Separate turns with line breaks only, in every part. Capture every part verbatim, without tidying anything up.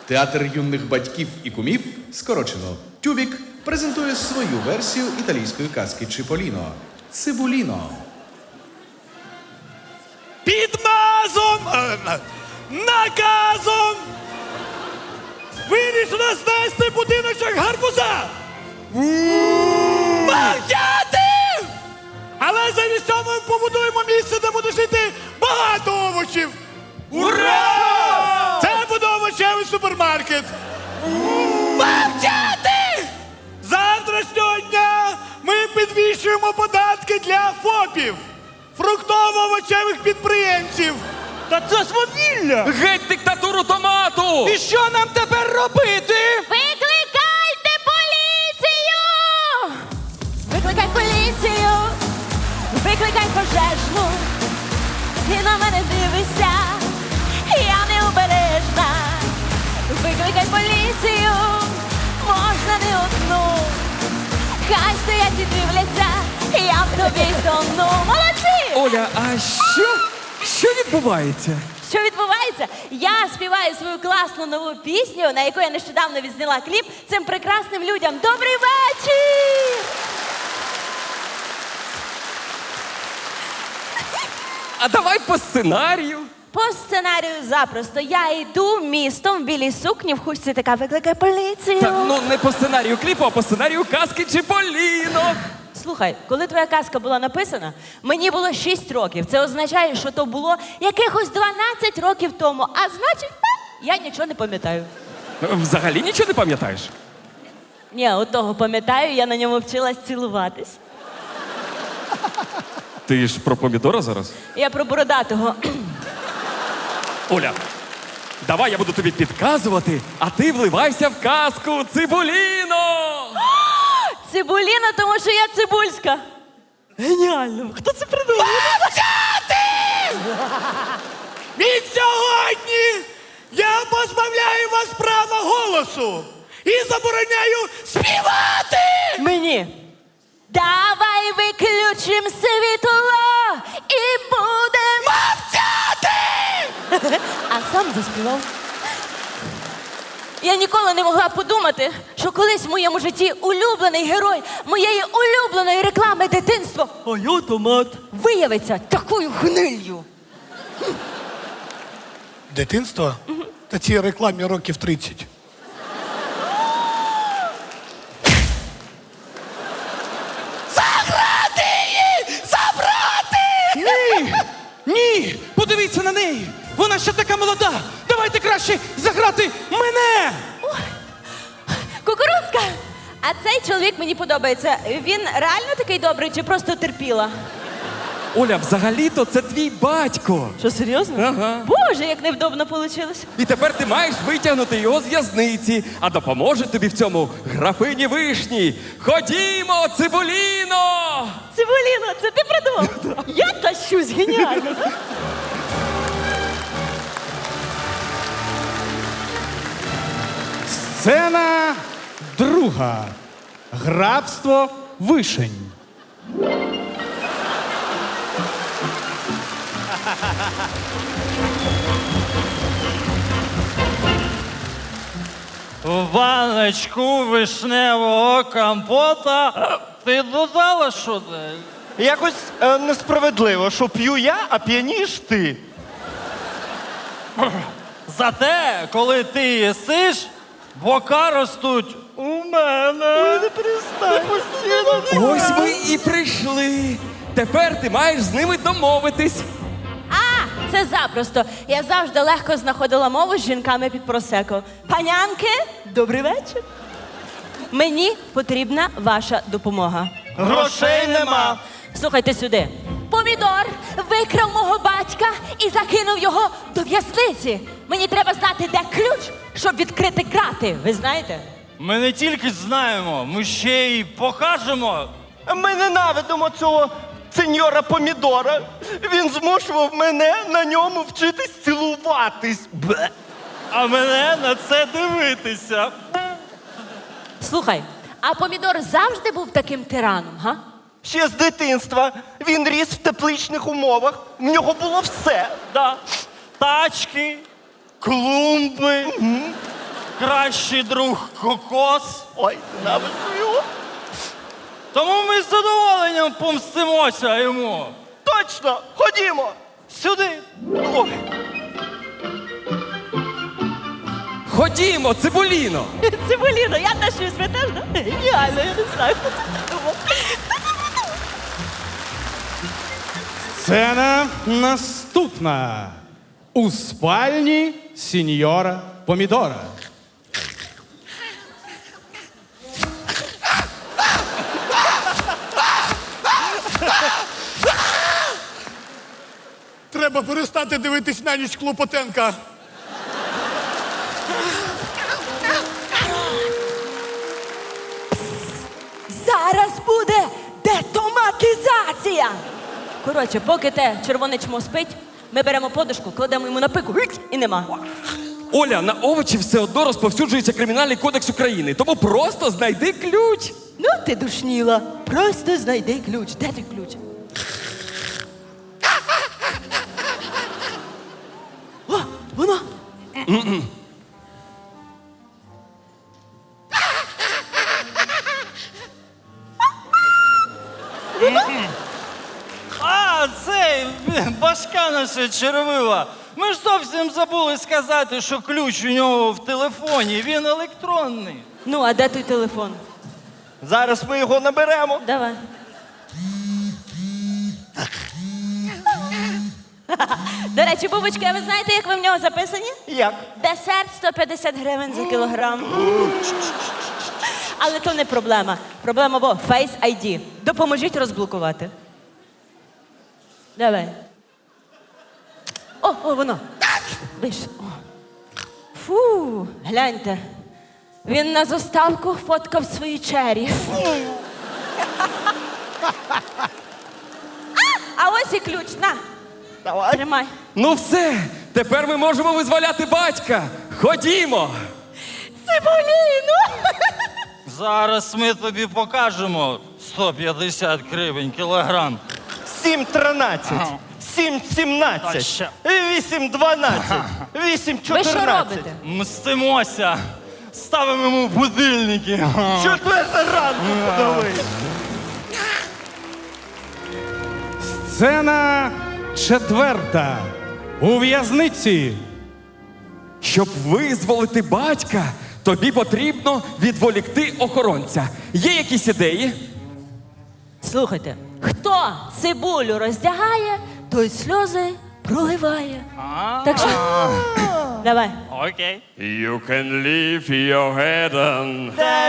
Театр юних батьків і кумів, скорочено Тюбік, презентує свою версію італійської казки Чіполіно – Цибуліно.
Під мазом, е, наказом вирішено знести будиночок гарбуза. Мовчати! Але замість цього ми побудуємо місце, де буде жити багато овочів. Ура! Це буде овочевий супермаркет. Мовчати! З завтрашнього дня ми підвищуємо податки для ФОПів, фруктово-овочевих підприємців.
Та це свавілля!
Геть диктатуру томату!
І що нам тепер робити?
Викликайте поліцію! Викликай поліцію! Викликай пожежну! Ти на мене дивишся, я необережна. Викликай поліцію, можна не одну. Хай стоять і дивляться, я в тобі тону. Молодці!
Оля, а що? Що відбувається?
Що відбувається? Я співаю свою класну нову пісню, на яку я нещодавно відзняла кліп цим прекрасним людям. Добрий вечір!
А давай по сценарію.
По сценарію запросто. Я йду містом в білій сукні, в хустці така, викликай поліцію.
Так, ну не по сценарію кліпу, а по сценарію казки Чіполіно.
Слухай, коли твоя казка була написана, мені було шість років. Це означає, що то було якихось дванадцять років тому. А значить, я нічого не пам'ятаю.
Взагалі нічого не пам'ятаєш?
Ні, от того пам'ятаю, я на ньому вчилась цілуватись.
Ти ж про помідора зараз?
Я про бородатого.
Оля, давай я буду тобі підказувати, а ти вливайся в казку Цибуліно!
Цибуліна, тому що я цибульська. Геніально. Хто це придумав?
Від сьогодні я позбавляю вас права голосу і забороняю співати!
Мені. Давай виключим світло і будемо
Мовчати!
А сам заспівав. Я ніколи не могла подумати, що колись в моєму житті улюблений герой моєї улюбленої реклами дитинства, а я томат, виявиться такою гниллю.
Дитинство? Та цій рекламі років тридцять. Заграти її! Забрати!
Ні! Ні! Подивіться на неї! Вона ще така молода! Давайте краще заграти мене!
Кукурузка! А цей чоловік мені подобається. Він реально такий добрий чи просто терпіла?
Оля, взагалі-то це твій батько.
Що, серйозно?
Ага.
Боже, як невдобно вийшло.
І тепер ти маєш витягнути його з в'язниці, а допоможе тобі в цьому графині Вишні. Ходімо, Цибуліно!
Цибуліно, це ти придумав? Я тащусь, геніально.
Сцена друга. Графство Вишень.
В баночку вишневого компота ти додала що це?
Якось е, несправедливо, що п'ю я, а п'яніш ти.
Зате, коли ти їсиш, бока ростуть у мене. Не перестань.
Ось ми і прийшли. Тепер ти маєш з ними домовитись.
А, це запросто. Я завжди легко знаходила мову з жінками під просеко. Панянки, добрий вечір. Мені потрібна ваша допомога.
Грошей нема.
Слухайте сюди. Помідор викрав мого батька і закинув його до в'язниці. Мені треба знати, де ключ, щоб відкрити крати. Ви знаєте?
Ми не тільки знаємо, ми ще й покажемо.
Ми ненавидимо цього сеньора Помідора. Він змушував мене на ньому вчитись цілуватись. Бе.
А мене на це дивитися.
Слухай, а помідор завжди був таким тираном, га?
Ще з дитинства він ріс в тепличних умовах. В нього було все.
Да. Тачки, клумби, кращий друг кокос.
Ой, ненавиджу його.
Тому ми з задоволенням помстимося йому.
Точно, ходімо.
Сюди.
Ой.
Ходімо, Цибуліно!
Цибуліно, я теж щось ви теж, да? Геніально, я не знаю, хто це придумав.
Сцена наступна. У спальні сіньора Помідора.
Треба перестати дивитись на ніч Клопотенка.
Зараз буде детоматизація. Коротше, поки те червоне чмо спить, ми беремо подушку, кладемо йому на пику, гить, і нема.
Оля, на овочі все одно розповсюджується Кримінальний кодекс України, тому просто знайди ключ.
Ну, ти душніла. Просто знайди ключ. Де той ключ? О, воно.
А, цей башка наша червива. Ми ж зовсім забули сказати, що ключ у нього в телефоні, він електронний.
Ну, а де той телефон?
Зараз ми його наберемо.
Давай. До речі, бубочки, а ви знаєте, як ви в нього записані?
Як?
Десерт сто п'ятдесят гривень за кілограм. Але то не проблема. Проблема бо Face ай ді. Допоможіть розблокувати. Давай. О, о, воно. Вийшло. О. Фу, гляньте. Він на заставку фоткав свої чері. А, а ось і ключ. На,
Давай.
тримай.
Ну все, тепер ми можемо визволяти батька. Ходімо!
Цибуліну!
Зараз ми тобі покажемо сто п'ятдесят гривень кілограм.
Сім тринадцять.
Ага.
Сім сімнадцять.
Точно.
Вісім дванадцять. Вісім
Ви що
чотирнадцять.
робите?
Мстимося. Ставимо йому будильники.
Четверта ранку подали.
Сцена четверта. У в'язниці.
Щоб визволити батька, тобі потрібно відволікти охоронця. Є якісь ідеї?
Слухайте, хто цибулю роздягає, той сльози проливає. Так що, давай.
Окей.
You can leave your head on.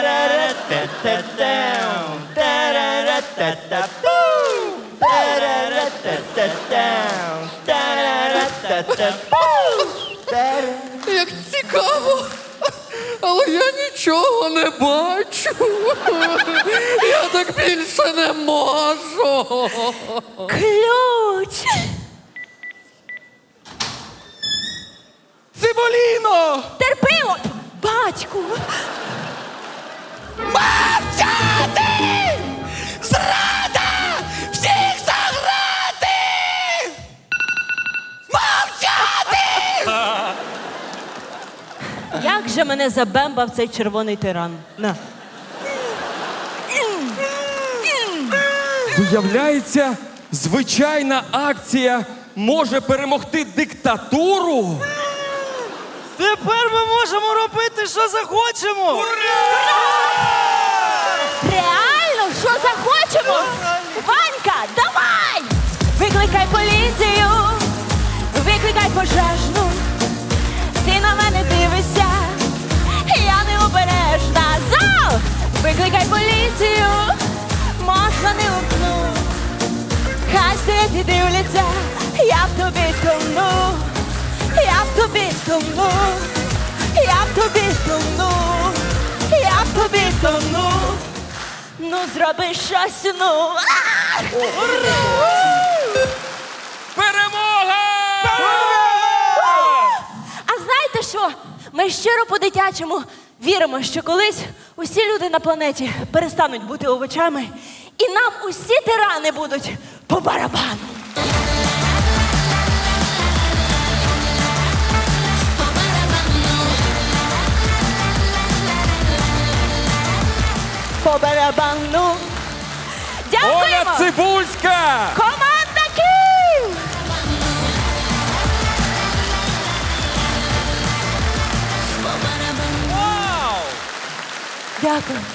Як цікаво, але я нічого не бачу. Я так більше не можу.
Ключ!
Цибуліно!
Терпимо! Батьку! Мовчати! Зрада! Всіх заграти! Мовчати! Як же мене забембав цей червоний тиран? На.
Виявляється, звичайна акція може перемогти диктатуру.
Тепер ми можемо робити, що захочемо.
Реально? Що захочемо? Ванька, давай! Викликай поліцію, викликай пожежну. Ти на мене дивишся, я необережна. Зал! Викликай поліцію, можна не вмкну. Хай стоять і дивляться, я в тобі тону. Я в тобі тону, я в тобі тону, я в тобі тону. Ну зроби щось, ну. А!
Перемога!
А знаєте що? Ми щиро по-дитячому віримо, що колись усі люди на планеті перестануть бути овочами, і нам усі тирани будуть по барабану. по барабану.
Оля
Дякуємо!
Цибульська!
Команда Київ!
Вау!
Дякую.